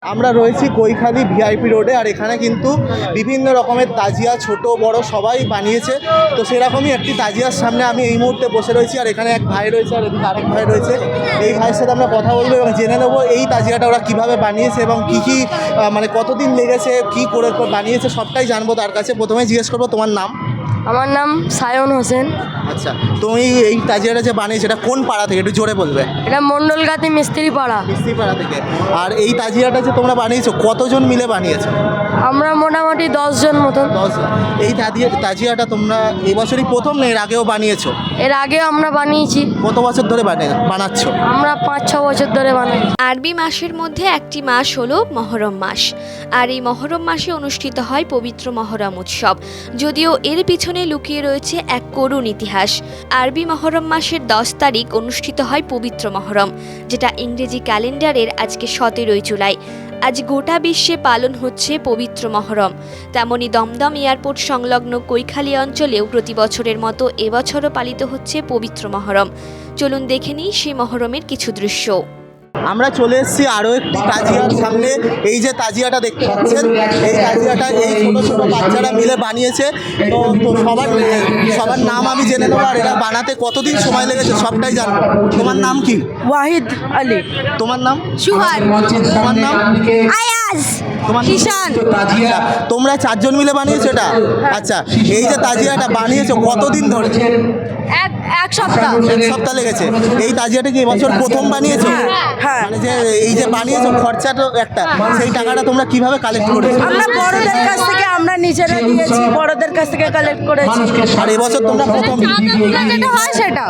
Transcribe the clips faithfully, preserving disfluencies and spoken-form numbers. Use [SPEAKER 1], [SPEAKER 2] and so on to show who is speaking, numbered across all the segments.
[SPEAKER 1] আমরা রয়েছি কৈখালি ভিআইপি রোডে, আর এখানে কিন্তু বিভিন্ন রকমের তাজিয়া ছোট বড় সবাই বানিয়েছে। তো সেরকমই একটি তাজিয়ার সামনে আমি এই মুহূর্তে বসে রয়েছি, আর এখানে এক ভাই রয়েছে আর এদিকে আরেক ভাই রয়েছে। এই ভাইয়ের সাথে আমরা কথা বলবো এবং জেনে নেবো এই তাজিয়াটা ওরা কীভাবে বানিয়েছে এবং কী কী মানে কতদিন লেগেছে, কী করে বানিয়েছে, সবটাই জানবো তার কাছে। প্রথমে জিজ্ঞেস করবো তোমার নাম।
[SPEAKER 2] আমার নাম সায়ন হোসেন।
[SPEAKER 1] আচ্ছা, তুমি এই তাজিয়াটা যে বানিয়েছো এটা কোন পাড়া থেকে একটু জোরে বলবে?
[SPEAKER 2] এটা মণ্ডলগাতি মিস্ত্রি পাড়া।
[SPEAKER 1] মিস্ত্রি পাড়া থেকে। আর এই তাজিয়াটা যে তোমরা বানিয়েছো কতজন মিলে বানিয়েছো?
[SPEAKER 2] আমরা মোটামুটি দশজন মতন।
[SPEAKER 1] দশজন। এই তাজিয়া তাজিয়াটা তোমরা এই বছরই প্রথম না এর আগেও বানিয়েছো?
[SPEAKER 2] এর আগেও আমরা বানিয়েছি।
[SPEAKER 1] কত বছর ধরে বানিয়ে বানাচ্ছ?
[SPEAKER 2] আমরা পাঁচ ছ বছর ধরে বানাই।
[SPEAKER 3] আরবি মাসের মধ্যে একটি মাস হলো মহরম মাস, আর এই মহরম মাসে অনুষ্ঠিত হয় পবিত্র মহরম উৎসব। যদিও এর পিছনে লুকিয়ে রয়েছে এক করুণ ইতিহাস। আরবি মহরম মাসের দশ তারিখ অনুষ্ঠিত হয় পবিত্র মহরম, যেটা ইংরেজি ক্যালেন্ডারের আজকে সতেরোই জুলাই। আজ গোটা বিশ্বে পালন হচ্ছে পবিত্র মহরম। তেমনি দমদম এয়ারপোর্ট সংলগ্ন কৈখালি অঞ্চলেও প্রতি বছরের মতো এবছরও পালিত হচ্ছে পবিত্র মহরম। চলুন দেখে নিই সেই মহরমের কিছু দৃশ্য।
[SPEAKER 1] আমরা চলে এসেছি আরও একটি তাজিয়ার সামনে। এই যে তাজিয়াটা দেখতে পাচ্ছেন, এই তাজিয়াটা এই ছোটো ছোটো বাচ্চারা মিলে বানিয়েছে। তো তো সবার সবার নাম আমি জেনে নেবো, আর এরা বানাতে কতদিন সময় লেগেছে সবটাই জানবো। তোমার নাম কি?
[SPEAKER 2] ওয়াহিদ আলী।
[SPEAKER 1] তোমার নাম?
[SPEAKER 2] সুহান।
[SPEAKER 1] তোমার নাম?
[SPEAKER 2] আয়াজ।
[SPEAKER 1] তোমার
[SPEAKER 2] কিষান।
[SPEAKER 1] আচ্ছা, তোমরা চারজন মিলে বানিয়েছো এটা? আচ্ছা, এই যে তাজিয়াটা বানিয়েছো কতদিন ধরে?
[SPEAKER 2] এক এক সপ্তাহ।
[SPEAKER 1] এক সপ্তাহ লেগেছে। এই তাজিয়াটা কি এবছর প্রথম বানিয়েছো?
[SPEAKER 2] হ্যাঁ।
[SPEAKER 1] মানে যে এই যে বানিয়েছো খরচাটা একটা, সেই টাকাটা তোমরা কিভাবে কালেক্ট করেছো?
[SPEAKER 2] আমরা বড়দের কাছ থেকে আমরা নিজেরা দিয়েছি, বড়দের কাছ থেকে কালেক্ট করেছি।
[SPEAKER 1] আর এবছর তোমরা প্রথম?
[SPEAKER 2] যেটা হয় সেটা।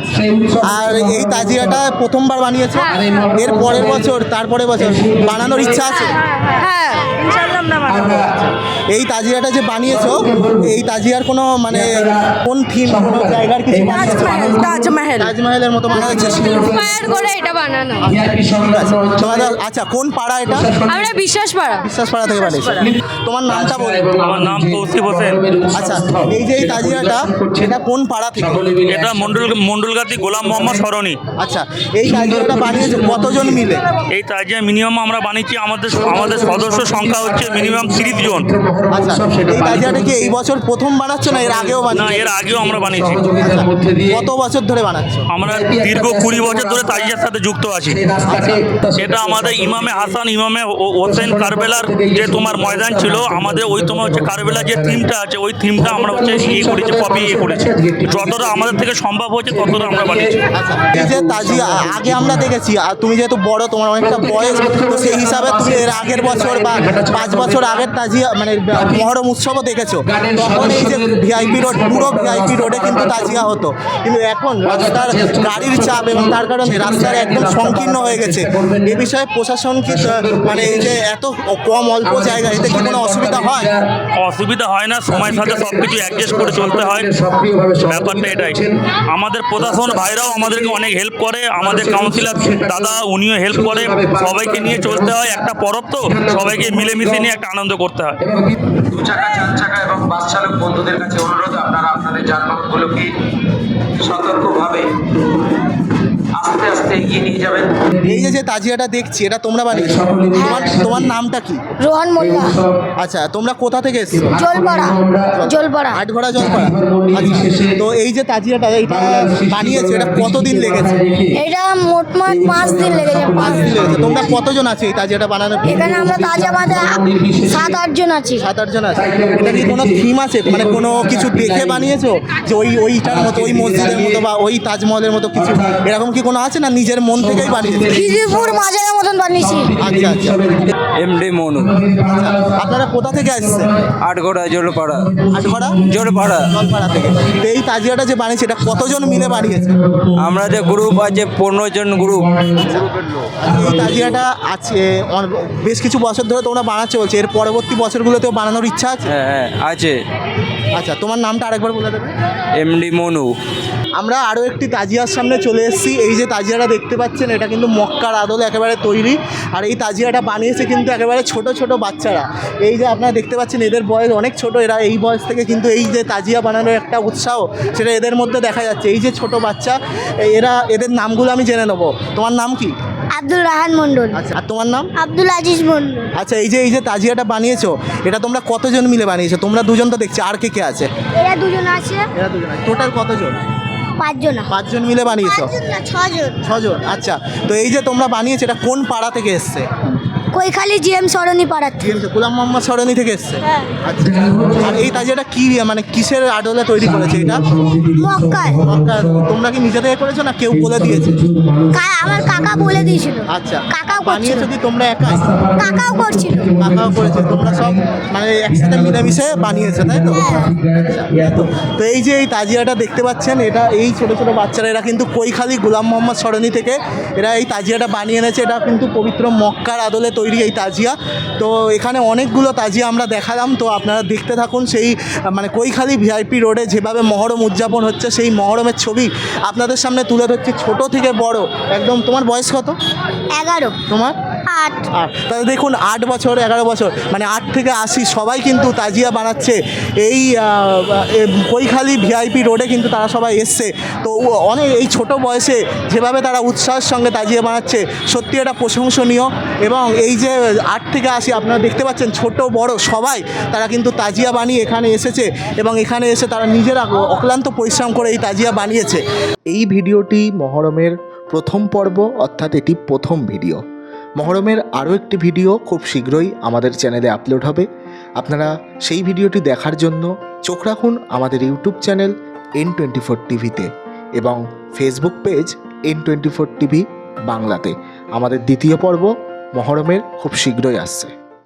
[SPEAKER 1] আর এই তাজিয়াটা প্রথমবার বানিয়েছো? এর পরের বছর তারপরে বছর বানানোর ইচ্ছা আছে?
[SPEAKER 2] হ্যাঁ, ইনশাআল্লাহ আমরা বানাবো।
[SPEAKER 1] এই তাজিয়াটা যে বানিয়েছো, এই তাজিয়ার কোনো মানে কোন থিম, কোনো জায়গার কিছু বানিয়েছো?
[SPEAKER 2] তাজমহল। তাজমহল।
[SPEAKER 1] তাজমহলের মতো বানানোর চেষ্টা
[SPEAKER 2] ফায়ার করে এটা বানানো।
[SPEAKER 1] তোমাদের আচ্ছা কোন পাড়া এটা?
[SPEAKER 2] আমরা বিশ্বাস পাড়া।
[SPEAKER 1] বিশ্বাস পাড়া থেকে বানিয়েছো। তোমার নামটা বলো।
[SPEAKER 4] আমার নাম তৌসিফ হোসেন।
[SPEAKER 1] আচ্ছা, এই যে এই তাজিয়াটা এটা কোন পাড়া থেকে?
[SPEAKER 4] এটা মন্ডল মন্ডলগাতি গোলাম মোহাম্মদ সরণি।
[SPEAKER 1] আচ্ছা, এই তাজিয়াটা বানিয়েছো কতজন মিলে?
[SPEAKER 4] এই তাজিয়া মিনিমাম আমরা বানিয়েছি, আমাদের আমাদের সদস্য সংখ্যা হচ্ছে মিনিমাম তিরিশ জন।
[SPEAKER 1] আচ্ছা, এই তাজিয়াটা কি এই বছর প্রথম বানাচ্ছ না এর আগেও
[SPEAKER 4] না,
[SPEAKER 1] বানিয়েছো?
[SPEAKER 4] এর আগেও আমরা বানিয়েছি।
[SPEAKER 1] কত বছর ধরে বানাচ্ছ?
[SPEAKER 4] আমরা দীর্ঘ কুড়ি বছর ধরে তাজিয়ার সাথে যুক্ত আছি। এটা আমাদের ইমামে হাসান ইমামে ও- হোসেন কারবেলার যে তোমার ময়দান ছিল, আমাদের ওই তোমার হচ্ছে কারবেলার যে থিমটা আছে ওই থিমটা আমরা হচ্ছে ইয়ে করেছি, কপি ইয়ে করেছি। যতটা আমাদের থেকে সম্ভব হয়েছে ততটা আমরা বানিয়েছি।
[SPEAKER 1] আচ্ছা, এই যে তাজিয়া আগে আমরা দেখেছি, আর তুমি যেহেতু বড় তোমার অনেকটা বয়স, তো সেই হিসাবে তুমি এর আগের বছর বা পাঁচ বছর আগের তাজিয়া মানে মহরম উৎসবও দেখেছো। তখন এই যে ভিআইপি রোড, পুরো ভিআইপি রোডে কিন্তু তাজিয়া হতো, কিন্তু এখন রাস্তার গাড়ির চাপ এবং তার কারণে রাস্তার একদম সংকীর্ণ হয়ে গেছে। এ বিষয়ে প্রশাসন কি মানে এই যে এত কম অল্প জায়গা, এতে কি কোনো অসুবিধা হয়?
[SPEAKER 4] অসুবিধা হয় না, সময়ের সাথে সব কিছু অ্যাডজাস্ট করে চলতে হয়, ব্যাপারটা এটাই। আমাদের প্রশাসন ভাইরাও আমাদেরকে অনেক হেল্প করে, আমাদের কাউন্সিলর দাদা উনিও হেল্প করে। সবাইকে নিয়ে চলতে হয়, একটা পরব তো সবাইকে মিলেমিশে নিয়ে একটা আনন্দ করতে হয়।
[SPEAKER 5] দু চাকা চার চাকা এবং বাস চালক বন্ধুদের কাছে অনুরোধ, আপনারা আপনাদের যানবাহনগুলোকে সতর্কভাবে আস্তে আস্তে এগিয়ে নিয়ে যাবেন।
[SPEAKER 1] এই যে যে তাজিয়াটা দেখছি এটা তোমরা বানিয়েছো? তোমার তোমার নামটা কি?
[SPEAKER 2] রোহান মোল্লা।
[SPEAKER 1] আচ্ছা, তোমরা কোথা থেকে এসছো?
[SPEAKER 2] জলপাড়া। জলপাড়া।
[SPEAKER 1] আটঘোড়া জলপাড়া। আচ্ছা, তো এই যে তাজিয়াটা এইটা বানিয়েছে এটা কতদিন লেগেছে?
[SPEAKER 2] এটা মোটমাট পাঁচ দিন লেগেছে।
[SPEAKER 1] পাঁচ দিন লেগেছে। তোমরা কতজন আছে এই তাজিয়াটা বানানোর?
[SPEAKER 2] এখানে আমরা তাজা বাদে সাত আট জন আছি।
[SPEAKER 1] সাত আট জন আছে। এটা কি কোনো থিম আছে, মানে কোনো কিছু দেখে বানিয়েছো যে ওই ওইটার মতো, ওই মসজিদের মতো বা ওই তাজমহলের মতো কিছু এরকম কি কোনো আছে, না নিজের মন থেকেই বানিয়েছে?
[SPEAKER 2] খিদিরপুর মাজারের মতন বানিয়েছি।
[SPEAKER 1] আচ্ছা আচ্ছা।
[SPEAKER 6] এমডি মনু।
[SPEAKER 1] আপনারা কোথা থেকে আসছেন?
[SPEAKER 6] আটঘোড়া জলপাড়া।
[SPEAKER 1] আটঘোড়া
[SPEAKER 6] জলপাড়া।
[SPEAKER 1] জলপাড়া থেকে। তো এই তাজিয়াটা যে বানিয়েছে এটা কতজন মিলে বানিয়েছে?
[SPEAKER 6] আমরা যে গ্রুপ আছে পনেরো জন গ্রুপ।
[SPEAKER 1] এই তাজিয়াটা আছে অন- বেশ কিছু বছর ধরে তোমরা বানাচ্ছো বলছে, এর পরবর্তী বছরগুলোতেও বানানোর ইচ্ছা আছে?
[SPEAKER 6] হ্যাঁ হ্যাঁ আছে।
[SPEAKER 1] আচ্ছা, তোমার নামটা আরেকবার বলে দেবে?
[SPEAKER 6] এমডি মনু।
[SPEAKER 1] আমরা আরও একটি তাজিয়ার সামনে চলে এসেছি। এই যে তাজিয়াটা দেখতে পাচ্ছেন এটা কিন্তু মক্কার আদলে একেবারে তৈরি, আর এই তাজিয়াটা বানিয়েছে কিন্তু একেবারে ছোট ছোট বাচ্চারা। এই যে আপনারা দেখতে পাচ্ছেন এদের বয়স অনেক ছোট, এরা এই বয়স থেকে কিন্তু এই যে তাজিয়া বানানোর একটা উৎসাহ সেটা এদের মধ্যে দেখা যাচ্ছে। এই যে ছোট বাচ্চা, এরা এদের নামগুলো আমি জেনে নেবো। তোমার নাম কি?
[SPEAKER 7] আব্দুল রাহান মন্ডল।
[SPEAKER 1] আচ্ছা, আর তোমার নাম?
[SPEAKER 7] আব্দুল আজিজ মন্ডল।
[SPEAKER 1] আচ্ছা, এই যে এই যে তাজিয়াটা বানিয়েছো, এটা তোমরা কতজন মিলে বানিয়েছো? তোমরা দুজন তো দেখছি, আর কে কে আছে?
[SPEAKER 7] এরা দুজন আছে।
[SPEAKER 1] এরা দুজন আছে। টোটাল কতজন?
[SPEAKER 7] পাঁচজন।
[SPEAKER 1] পাঁচজন মিলে বানিয়েছো?
[SPEAKER 7] পাঁচজন না, ছজন।
[SPEAKER 1] ছজন। আচ্ছা, তো এই যে তোমরা বানিয়েছো, এটা কোন পাড়া থেকে এসছে?
[SPEAKER 7] কৈখালি জি এম সরণি পাড়ার থেকে।
[SPEAKER 1] গোলাম মোহাম্মদ সরণি থেকে এসছে।
[SPEAKER 7] হ্যাঁ।
[SPEAKER 1] আচ্ছা, আর এই তাজিয়াটা কি মানে কিসের আদলে তৈরি করেছে এটা?
[SPEAKER 7] মক্কায়।
[SPEAKER 1] মক্কা। তোমরা কি নিজে থেকে করেছো না কেউ বলে দিয়েছে?
[SPEAKER 7] কা- আমার কাকা বলে দিয়েছিল।
[SPEAKER 1] আচ্ছা,
[SPEAKER 7] কাকাও
[SPEAKER 1] বানিয়েছো
[SPEAKER 7] করছিল।
[SPEAKER 1] কি তোমরা একাই?
[SPEAKER 7] কাকাও করছিল।
[SPEAKER 1] কাকাও করেছে, তোমরা সব মানে একসাথে মিলেমিশে বানিয়েছো, তাই তো?
[SPEAKER 7] হ্যাঁ।
[SPEAKER 1] তো তো এই যে এই তাজিয়াটা দেখতে পাচ্ছেন, এটা এই ছোট ছোট বাচ্চারা, এরা কিন্তু কৈখালি গোলাম মোহাম্মদ সরণি থেকে এরা এই তাজিয়াটা বানিয়ে এনেছে। এটা কিন্তু পবিত্র মক্কার আদলে তৈরি এই তাজিয়া। তো এখানে অনেকগুলো তাজিয়া আমরা দেখালাম, তো আপনারা দেখতে থাকুন। সেই মানে কৈখালি ভিআইপি রোডে যেভাবে মহরম উদযাপন হচ্ছে, সেই মহরমের ছবি আপনাদের সামনে তুলে ধরছে, ছোট থেকে বড় একদম। তোমার বয়স কত?
[SPEAKER 7] এগারো।
[SPEAKER 1] তোমার?
[SPEAKER 7] আট।
[SPEAKER 1] আট। তাহলে দেখুন, আট বছর এগারো বছর মানে আট থেকে আশি সবাই কিন্তু তাজিয়া বানাচ্ছে এই আহ, এ, কৈখালি ভিআইপি রোডে কিন্তু তারা সবাই এসছে। তো ও- অনেক এই ছোট বয়সে যেভাবে তারা উৎসাহের সঙ্গে তাজিয়া বানাচ্ছে, সত্যি এটা প্রশংসনীয়। এবং এই যে আট থেকে আশি আপনারা দেখতে পাচ্ছেন, ছোট বড় সবাই তারা কিন্তু তাজিয়া বানিয়ে এখানে এসেছে, এবং এখানে এসে তারা নিজেরা অক্লান্ত পরিশ্রম করে এই তাজিয়া বানিয়েছে। এই ভিডিওটি মহরমের প্রথম পর্ব, অর্থাৎ এটি প্রথম ভিডিও। মহরমের আরও একটি ভিডিও খুব শীঘ্রই আমাদের চ্যানেলে আপলোড হবে। আপনারা সেই ভিডিওটি দেখার জন্য চোখ রাখুন আমাদের YouTube channel N twenty four টিভিতে এবং Facebook page N twenty four TV বাংলাতে। আমাদের দ্বিতীয় পর্ব মহরমের খুব শীঘ্রই আসছে।